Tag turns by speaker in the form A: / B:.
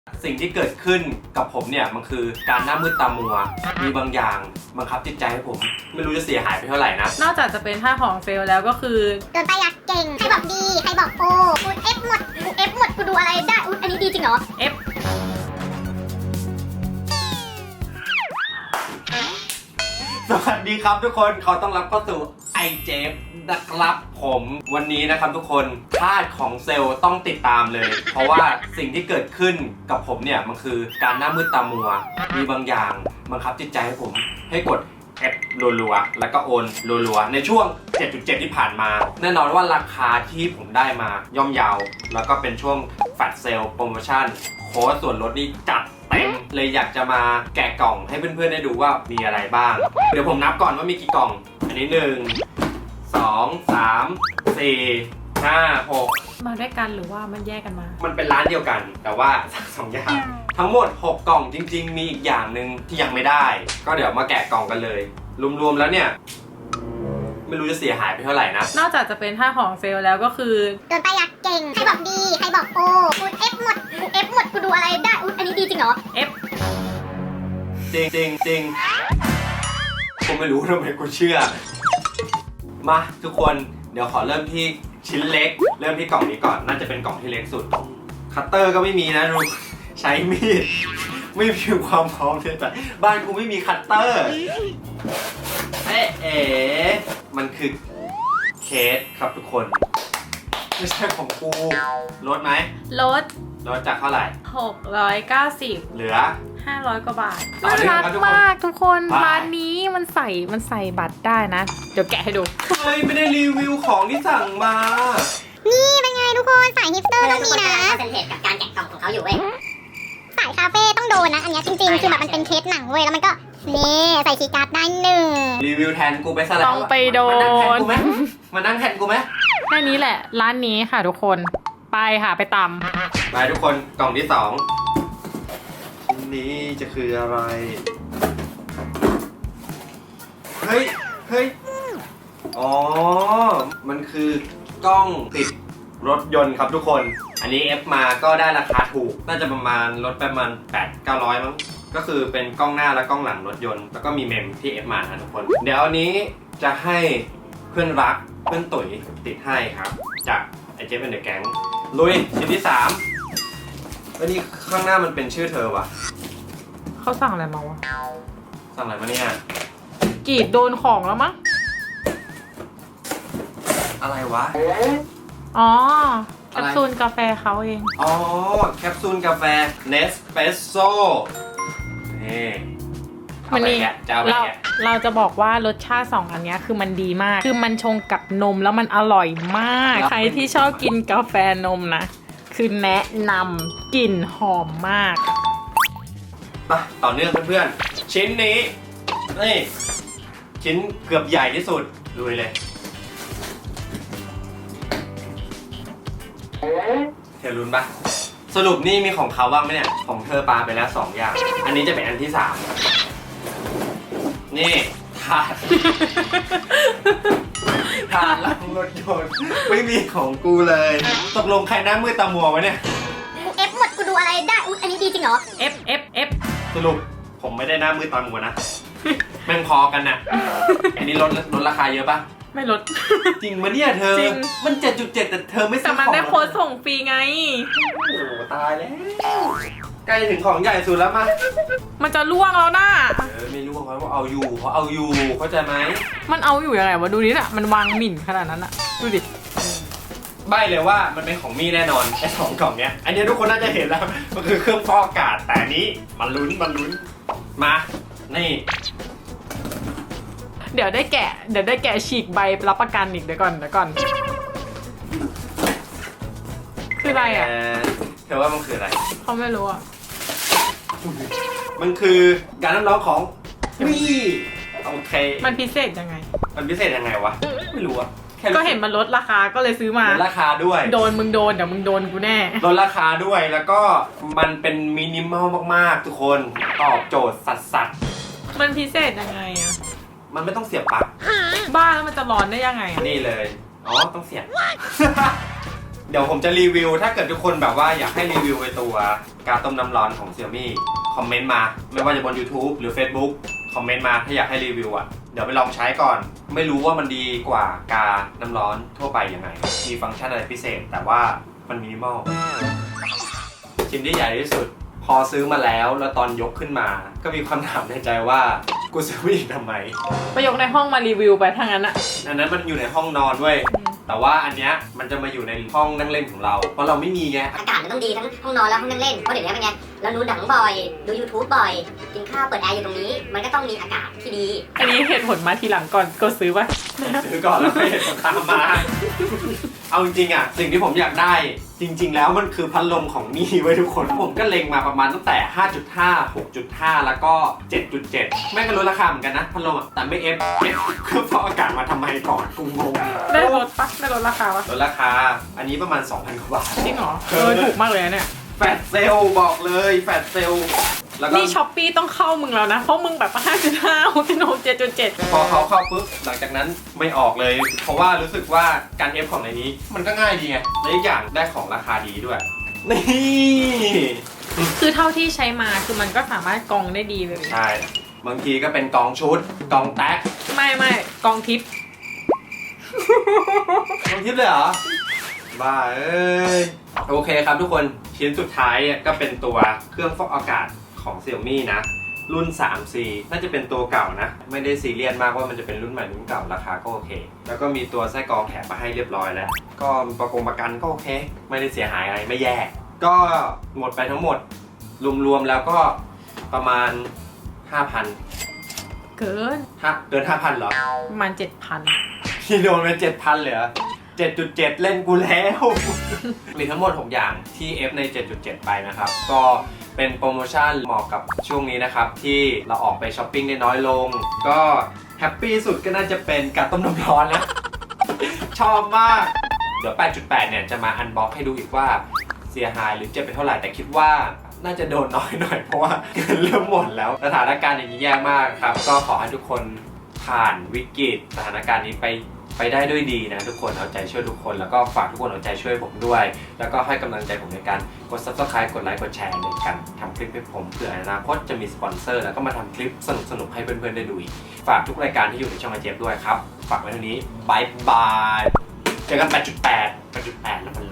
A: สิ่งที่เกิดขึ้นกับผมเนี่ยมันคือการหน้ามืดตามัวมีบางอย่างบังคับจิตใจให้ผมไม่รู้จะเสียหายไปเท่าไหร่นะ
B: นอกจากจะเป็นท่าของเฟลแล้วก็คือ
C: โดนไปอยากเก่งใครบอกดีใครบอกโอ้กูเอฟหมดกูดูอะไรได้อันนี้ดีจริงเหรอ
B: F
A: สวัสดีครับทุกคนขอต้อนรับเข้าสู่ไอเจฟนะครับผมวันนี้นะครับทุกคนธาตุของเซลล์ต้องติดตามเลย เพราะว่าสิ่งที่เกิดขึ้นกับผมเนี่ยมันคือการหน้ามืดตามัวมีบางอย่างบังคับจิตใจให้ผมให้กด F รัวๆแล้วก็โอนรัวๆในช่วง 7.7 ที่ผ่านมาแน่นอนว่าราคาที่ผมได้มาย่อมเยาวแล้วก็เป็นช่วงแฟลชเซลล์โปรโมชั่นโค้ดส่วนลดนี่จัดเต็มเลยอยากจะมาแกะกล่องให้เพื่อนๆได้ดูว่ามีอะไรบ้างเดี๋ยวผมนับก่อนว่ามีกี่กล่องอันนี้1 2 3 4 5 6
B: มาด้วยกันหรือว่ามันแยกกันมา
A: มันเป็นร้านเดียวกันแต่ว่าสั่งสองอย่างทั้งหมด6กล่องจริงๆมีอีกอย่างหนึ่งที่ยังไม่ได้ก็เดี๋ยวมาแกะกล่องกันเลยรวมๆแล้วเนี่ยไม่รู้จะเสียหายไปเท่าไหร่นะ
B: นอกจากจะเป็นท่าของเฟลแล้วก็คือ
C: โดนไปอยากเก่งใครบอกดีใครบอกโอ้กูเอฟหมดกูดูอะไรได้อันนี้ดีจริงเหรอ
B: F
A: จริงผมไม่รู้ทำไมกูเชื่อมาทุกคนเดี๋ยวขอเริ่มที่ชิ้นเล็กเริ่มที่กล่องนี้ก่อนน่าจะเป็นกล่องที่เล็กสุดคัตเตอร์ก็ไม่มีนะดูใช้มีดไม่มีความพร้อมเลยแต่บ้านกูไม่มีคัตเตอร์มันคือเคสครับทุกคนไม่ใช่ของกูลดไหม
B: ลด
A: จากเท่าไหร่
B: 690
A: เหลือ
B: 500 กว่าบาท
A: ต่อเนื่องครับทุกคน
B: มากทุกคน
A: ไป
B: ร้านนี้มันใส่บัตรได้นะเดี๋ยวแกะให้ดู
A: เฮ้ยไม่ได้รีวิวของที่สั่งมา
C: นี่เป็นไงทุกคนสายฮิปสเตอร์ต้องมีนะ
D: คอนเซนเทรตกับการแกะกล่องของเขาอยู่เว้ย
C: สายคาเฟ่ต้องโดนนะอันนี้จริงๆคือแบบมันเป็นเคสหนังเว้ยแล้วมันก็นี่ใส่คีย์การ์ดได้1
A: รีวิวแทนกูไปซะแล้ว
B: ต้องไปโดน
A: มานั่งแทนกูไหม
B: แค่นี้แหละร้านนี้ค่ะทุกคนไปค่ะไปตำ
A: ไปทุกคนกล่องที่2ชิ้นนี้จะคืออะไรเฮ้ยอ๋อมันคือกล้องติดรถยนต์ครับทุกคนอันนี้ F มาก็ได้ราคาถูกน่าจะประมาณลดไปประมาณ 800-900 มั้งก็คือเป็นกล้องหน้าและกล้องหลังรถยนต์แล้วก็มีเมมที่ F มานะทุกคนเดี๋ยวอันนี้จะให้เพื่อนรักเพื่อนตุ๋ยติดให้ครับจากไอเจฟเป็นเดอะแก๊งลุยชิ้นที่3แล้วนี่ข้างหน้ามันเป็นชื่อเธอวะ
B: เขาสั่งอะไรมาวะ
A: สั่งอะไรมาเนี่ย
B: กรีดโดนของแล้วมั้ง
A: อะไรวะ
B: อ๋อแคปซูลกาแฟเขาเอง
A: อ๋อแคปซูลกาแฟ Nespresso นี่
B: มันนี่
A: จะเอาไปแกะ
B: เราจะบอกว่ารสชาติ2อันนี้คือมันดีมากคือมันชงกับนมแล้วมันอร่อยมากใครที่ชอบกินกาแฟนมนะคือแนะนำกลิ่นหอมมาก
A: ไปต่อเนื่องเพื่อนๆชิ้นนี้นี่ชิ้นเกือบใหญ่ที่สุดลุยเลยเธอรุนปะสรุปนี่มีของเขาบ้างไหมเนี่ยของเธอปาไปแล้ว2อย่างอันนี้จะเป็นอันที่3นี่ถาดล้างรถยนต์ไม่มีของกูเลยตกลงใครหน้ามืดตามัววะเนี่ย
C: กูเอฟหมดกูดูอะไรได้อันนี้ดีจริงเหรอ
B: F
A: สรุปผมไม่ได้หน้ามืดตามัวนะแม่งพอกันน่ะอันนี้ลดราคาเยอะปะ
B: ไม่ลด
A: จริงมะเนี่ยเธอ
B: จริง
A: มัน 7.7 แต่เธอไม่ซื้
B: แต่
A: อ
B: มัน
A: ของ
B: ได้โค้ดส่งฟรีไง
A: โอ้โหตายแล้วใกล้ถึงของใหญ่สุดแล้วมา
B: มันจะล่วงแล้วนะ
A: ไม่รู้เขาเอาอยู่เข้าใจไหม
B: มันเอาอยู่ยังไงวะดูนี่น่ะมันวางหมิ่นขนาดนั้นอะดูดิ
A: ใบเลยว่ามันเป็นของมี่แน่นอนไอ้2กล่องเนี้ยอันนี้ทุกคนน่าจะเห็นแล้วมันคือเครื่องฟอกอากาศแต่นี้มันลุ้นมานี่
B: เดี๋ยวได้แกะฉีกใบรับประกันอีกเดี๋ยวก่อนคืออะไรอ่ะ
A: เธอว่ามันคืออะไร
B: เขาไม่รู้อ่ะ
A: มันคือการน้ำร้อนของมี่โอเค
B: มันพิเศษยังไง
A: วะไม่รู้อะ
B: ก็เห็นมันลดราคาก็เลยซื้อมา
A: ลดราคาด้วย
B: โดนมึงโดนเดี๋ยวมึงโดนกูแน่
A: ลดราคาด้วยแล้วก็มันเป็นมินิมอลมากๆทุกคนตอบโจทย์สัส
B: มันพิเศษยังไงอ่ะ
A: มันไม่ต้องเสียบปลั๊ก
B: บ้าแล้วมันจะร้อนได้ยังไงอ่ะ
A: นี่เลยอ๋อต้องเสียบเดี๋ยวผมจะรีวิวถ้าเกิดทุกคนแบบว่าอยากให้รีวิวไอตัวกาต้มน้ำร้อนของ Xiaomi คอมเมนต์มาไม่ว่าจะบน YouTube หรือ Facebook คอมเมนต์มาถ้าอยากให้รีวิวอ่ะเดี๋ยวไปลองใช้ก่อนไม่รู้ว่ามันดีกว่ากาน้ำร้อนทั่วไปยังไงมีฟังก์ชันอะไรพิเศษแต่ว่ามันมินิมอลชิ้นที่ใหญ่ที่สุดพอซื้อมาแล้วตอนยกขึ้นมาก็มีคำถามในใจว่ากูซื้อมาอีกทำไม
B: ไปยกในห้องมารีวิวไปทั้งนั้นอะ
A: อันนั้นมันอยู่ในห้องนอนด้วยแต่ว่าอันเนี้ยมันจะมาอยู่ในห้องนั่งเล่นของเราเพราะเราไม่มีไง
D: อากาศมันต้องดีทั้งห้องนอนและห้องนั่งเล่นเพราะเดี๋ยวนี้เป็นไงเราดูหนังบ่อยดู YouTube บ่อยกินข้าวเปิดแอร์อยู่ตรงนี้ มันก็ต้องมีอากาศที่ดี
B: อันนี้เหตุผลมาทีหลังก่อนก็ซื้อป่ะ
A: ซื้อก่อนแล้วไม่เห็นตามมา เอาจริงๆอ่ะสิ่งที่ผมอยากได้จริง ๆ แล้วมันคือพัดลมของมี่ไว้ทุกคนผมก็เล็งมาประมาณตั้งแต่ 5.5 6.5 แล้วก็ 7.7 แม่งก็ลดราคาเหมือนกันนะพัดลมอ่ะแต่ไม่เอฟเครื่องฟอกอากาศมาทำไมก่อนกูงง
B: ได้ลดปะได้ลดราคาปะ
A: ลดราคาอันนี้ประมาณ 2,000 กว่าบาท
B: จริงเหรอถูกมากเลยนะเนี่ย
A: แฟลชเซลล์บอกเลยแฟลชเซลล์แล้วก็
B: นี่ช้อปปี้ต้องเข้ามึงแล้วนะเพราะมึงแบบ 5.5 6.6 7.7
A: พอเขาเข้าปุ๊บหลังจากนั้นไม่ออกเลย เพราะว่ารู้สึกว่าการเอฟของในนี้มันก็ง่ายดีไงและอีกอย่างได้ของราคาดีด้วย นี่
B: คือเท่าที่ใช้มาคือมันก็สามารถกรองได้ดีเลย
A: ใช่บางทีก็เป็นกองชุดกองแท็ก
B: ไม่กองทิป
A: กองทิปเลยเหรอบ้าเอ้ยโอเคครับทุกคนชิ้นสุดท้ายก็เป็นตัวเครื่องฟอกอากาศของ Xiaomi นะรุ่น 3C น่าจะเป็นตัวเก่านะไม่ได้ซีเรียสมากว่ามันจะเป็นรุ่นใหม่รุ่นเก่าราคาก็โอเคแล้วก็มีตัวไส้กรองแถมมาให้เรียบร้อยแล้วก็ประกันก็โอเคไม่ได้เสียหายอะไรไม่แย่ก็หมดไปทั้งหมดรวมๆแล้วก็ประมาณ 5,000
B: เกิน
A: เกิน 5,000 เหรอ
B: ประมาณ 7,000
A: ที่โดนไป 7,000 เลยเหรอ 7.7 เล่นกูแล้ว มีทั้งหมด 6 อย่างที่ F ใน 7.7 ไปนะครับ ก็เป็นโปรโมชั่นเหมาะกับช่วงนี้นะครับ ที่เราออกไปช้อปปิ้งได้น้อยลง ก็แฮปปี้สุดก็น่าจะเป็นการต้มน้ำร้อนนะ ชอบมาก เดี๋ยว 8.8 เนี่ยจะมาอันบ็อกให้ดูอีกว่าเสียหายหรือเจ็บไปเท่าไหร่ แต่คิดว่าน่าจะโดนน้อยหน่อยเพราะว่าเงินเริ่มหมดแล้วสถานการณ์อย่างนี้แย่มากครับ ก็ขอให้ทุกคนผ่านวิกฤตสถานการณ์นี้ไปได้ด้วยดีนะทุกคนเอาใจช่วยทุกคนแล้วก็ฝากทุกคนเอาใจช่วยผมด้วย แล้วก็ให้กำลังใจผมในการกด Subscribe กดไลค์กดแชร์ในการทำคลิปให้ผมเผื่ออนาคตจะมีสปอนเซอร์แล้วก็มาทำคลิปสนุกๆให้เพื่อนๆได้ดูอีกฝากทุกรายการที่อยู่ในช่องไอเจฟด้วยครับฝากไว้เท่านี้บายบายเจอกัน 8.8 แล้วมัน